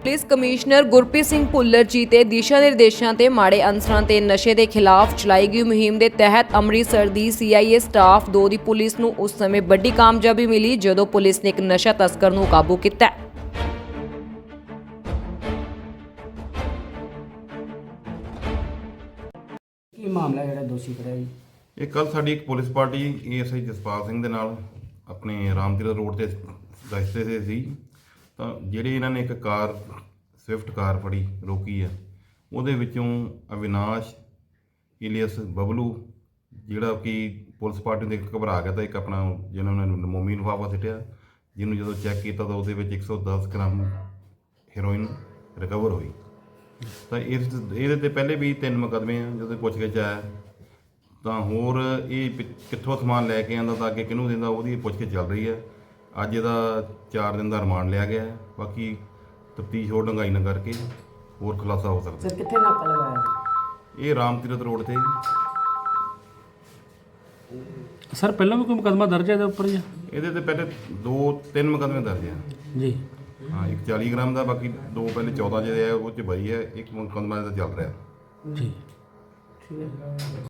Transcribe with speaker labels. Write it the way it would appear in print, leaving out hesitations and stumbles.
Speaker 1: Police commissioner Gurpreet Singh Bhullar ji ਤੇ ਦਿਸ਼ਾ ਨਿਰਦੇਸ਼ਾਂ ਤੇ ਮਾੜੇ ਅਨਸਰਾਂ ਤੇ ਨਸ਼ੇ ਦੇ ਖਿਲਾਫ ਚਲਾਈ ਗਈ ਮੁਹਿੰਮ ਦੇ ਤਹਿਤ ਅੰਮ੍ਰਿਤਸਰ ਦੀ CIA ਸਟਾਫ 2 ਦੀ ਪੁਲਿਸ ਨੂੰ ਉਸ ਸਮੇਂ ਵੱਡੀ ਕਾਮਯਾਬੀ ਮਿਲੀ ਜਦੋਂ ਪੁਲਿਸ ਨੇ ਇੱਕ ਨਸ਼ਾ ਤਸਕਰ ਨੂੰ ਕਾਬੂ ਕੀਤਾ।
Speaker 2: ਕੀ ਮਾਮਲਾ ਜਿਹੜਾ ਦੋਸ਼ੀ ਫੜਿਆ ਜੀ?
Speaker 3: ਇਹ ਕੱਲ ਸਾਡੀ ਇੱਕ police party ASI Jaspal Singh ਦੇ ਨਾਲ ਆਪਣੇ ਰਾਮਤੀਰਥ ਰੋਡ ਤੇ ਰਸਤੇ ਤੇ ਸੀ ਤਾਂ ਜਿਹੜੇ ਇਹਨਾਂ ਨੇ ਇੱਕ ਕਾਰ ਸਵਿਫਟ ਕਾਰ ਫੜੀ ਰੋਕੀ ਆ ਉਹਦੇ ਵਿੱਚੋਂ ਅਵਿਨਾਸ਼ ਇਲੀਅਸ ਬਬਲੂ ਜਿਹੜਾ ਕਿ ਪੁਲਿਸ ਪਾਰਟੀ ਦੇ ਘਬਰਾ ਗਿਆ ਤਾਂ ਇੱਕ ਆਪਣਾ ਜਿਹਨਾਂ ਨੇ ਮੋਮੀ ਲਿਫਾਫਾ ਸਿੱਟਿਆ ਜਿਹਨੂੰ ਜਦੋਂ ਚੈੱਕ ਕੀਤਾ ਤਾਂ ਉਹਦੇ ਵਿੱਚ 110 ਗ੍ਰਾਮ ਹੈਰੋਇਨ ਰਿਕਵਰ ਹੋਈ। ਤਾਂ ਇਹਦੇ ਤੇ ਪਹਿਲੇ ਵੀ 3 ਮੁਕੱਦਮੇ ਆ ਜਦੋਂ ਪੁੱਛਗਿੱਛ ਆਇਆ ਤਾਂ ਹੋਰ ਇਹ ਕਿੱਥੋਂ ਸਮਾਨ ਲੈ ਕੇ ਆਉਂਦਾ ਤਾਂ ਅੱਗੇ ਕਿਹਨੂੰ ਦਿੰਦਾ ਉਹਦੀ ਪੁੱਛਗਿੱਛ ਚੱਲ ਰਹੀ ਹੈ। ਅੱਜ ਇਹਦਾ 4 ਦਿਨ ਦਾ ਰਿਮਾਂਡ ਲਿਆ ਗਿਆ ਹੈ। ਬਾਕੀ ਤਫਤੀਸ਼ ਹੋਰ ਡੂੰਘਾਈ ਨਾਲ ਕਰਕੇ ਹੋਰ ਖੁਲਾਸਾ ਹੋ ਸਕਦਾ।
Speaker 2: ਸਰ ਕਿੱਥੇ ਨਾਕਾ ਲਗਾਇਆ
Speaker 3: ਇਹ ਰਾਮਤੀਰਥ ਰੋਡ ਤੇ
Speaker 4: ਸਰ ਪਹਿਲਾਂ ਵੀ ਕੋਈ ਮੁਕੱਦਮਾ ਦਰਜ ਹੈ ਇਹਦੇ ਉੱਪਰ ਜੀ?
Speaker 3: ਇਹਦੇ ਤੇ ਪਹਿਲੇ 2-3 ਮੁਕੱਦਮੇ ਦਰਜ ਆ।
Speaker 4: ਜੀ
Speaker 3: ਹਾਂ, ਇੱਕ 40 ਗ੍ਰਾਮ ਦਾ, ਬਾਕੀ 2 ਪਹਿਲੇ 14 ਜਿਹੜੇ ਆ ਉਹ 'ਚ ਬਈ ਹੈ, ਇੱਕ ਮੁਕੱਦਮਾ ਇਹਦਾ ਚੱਲ ਰਿਹਾ।
Speaker 4: ਜੀ।
Speaker 2: ਠੀਕ ਹੈ।